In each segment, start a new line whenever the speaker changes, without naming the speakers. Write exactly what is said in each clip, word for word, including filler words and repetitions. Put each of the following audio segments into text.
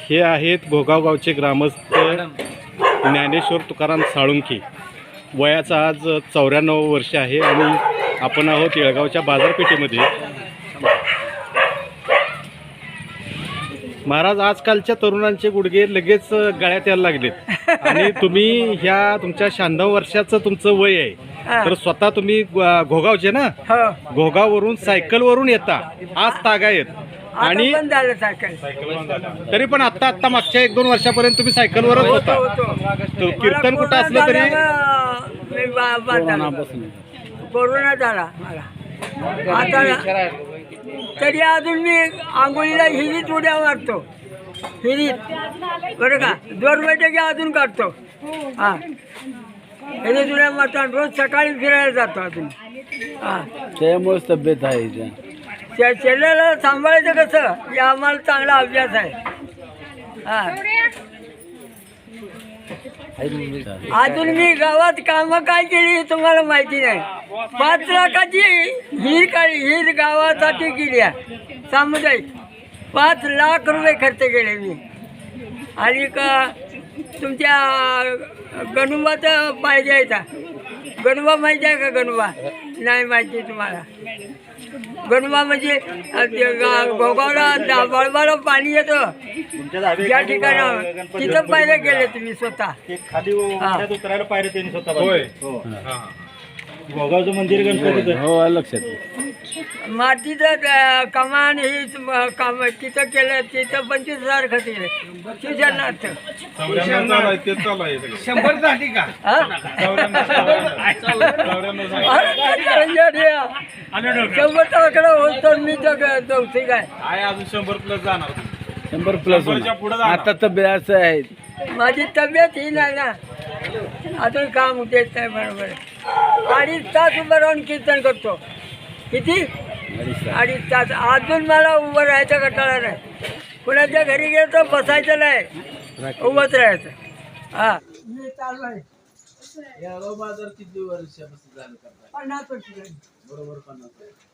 हे आहेत घोगाव गावचे ग्रामस्थ ज्ञानेश्वर तुकाराम साळुंखे. वयाचा आज चौऱ्याण्णव वर्ष आहे आणि आपण आहोत येळगावच्या बाजारपेठेमध्ये. महाराज, आजकालच्या तरुणांचे गुडघे लगेच गळ्यात यायला लागलेत आणि तुम्ही ह्या तुमच्या शहाण्णव वर्षाचं तुमचं वय आहे, तर स्वतः तुम्ही घोगावचे ना, घोगाववरून सायकलवरून येता आज तागायत आणि तरी पण आता आता मागच्या एक दोन वर्षापर्यंत तुम्ही सायकलवरच होता. कीर्तन कुठं असलं तरी
कोरोना झाला मला आता, तरी अजून मी आंघोळीला हिरीत उड्या मारतो, हिरीत बरं का, दोन बैठकी अजून काढतो. हां, हिरीत उड्या मारतो आणि रोज सकाळी फिरायला जातो अजून. हां,
त्यामुळेच तब्येत आहे.
त्या शरीराला सांभाळायचं कसं, हे आम्हाला चांगला अभ्यास आहे. हां, अजून मी गावात कामं काय केली हे तुम्हाला माहिती नाही. पाच लाखाची हिर काढली, हिर गावासाठी केली आहे सामुदायिक. पाच लाख रुपये खर्च केले मी. आणि का तुमच्या गणुबाचा पाहिजे आहे का? गणुबा माहिती आहे का? गणुबा नाही माहिती तुम्हाला. गणुबा म्हणजे घोगावला बळबाला पाणी येतं ज्या ठिकाणी, तिथं पायऱ्या गेले तुम्ही स्वतः.
घोगावचं मंदिर गणपतीचं
हो, लक्षात.
मातीचं कमान हे काम तिथं केलं, तिथं पंचवीस हजार खर्च केले. शिक्षणार्थ
शंभर झाली का?
शंभर टाकडं होतो मी तर चौथी काय
अजून शंभर प्लस जाणार.
शंभर प्लस आता तब्येत असं आहे.
माझी तब्येत ही नाही ना, अजून काम देत नाही बरोबर. अडीच तास उभं राहून कीर्तन करतो. किती? अडीच तास. अजून मला उभं राहायचं कंटाळा नाही. कुणाच्या घरी गेलं तर बसायचं नाही, उभंच राहायचं. हा, मी चालू आहे.
बाजार किती वर्षापासून झालं?
पन्नास वर्ष झाली.
बरोबर पन्नास.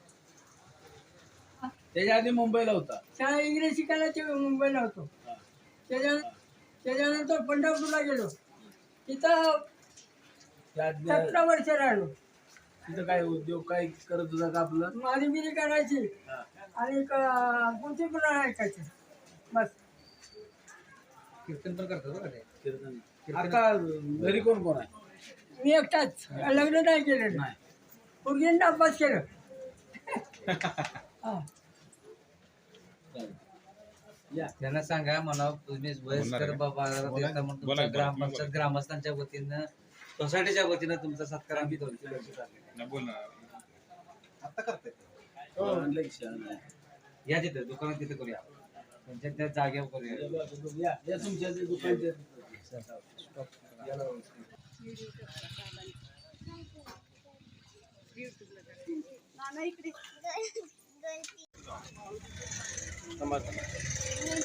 त्याच्या आधी मुंबईला होता.
शाळा इंग्रजी शिकायला ते मुंबईला होतो. त्याच्या त्याच्यानंतर पंढरपूरला गेलो. तिथं सतरा वर्ष राहिलो.
तिथं काय उद्योग काय करत होता का आपलं?
माझी बिरी करायची आणि पुढची पुन्हा ऐकायची बस.
कीर्तन पण करतात बरं. कीर्तन आता घरी कोण कोण आहे?
मी एकटाच, लग्न नाही केलं. नाही, पूर्वींना अभ्यास केलं. हा,
त्यांना सांगा मला, तुम्ही वयस्कर बाबा तुमच्या ग्रामपंचायत ग्रामस्थांच्या वतीनं, सोसायटीच्या वतीनं तुमचा सत्कार आम्ही दोनशे वर्ष झाले.
आता करते
या तिथे दुकानात तिथे करूया, त्यांच्या त्या जागेवर करूया.
या तुमच्या दुकानच्या
समाज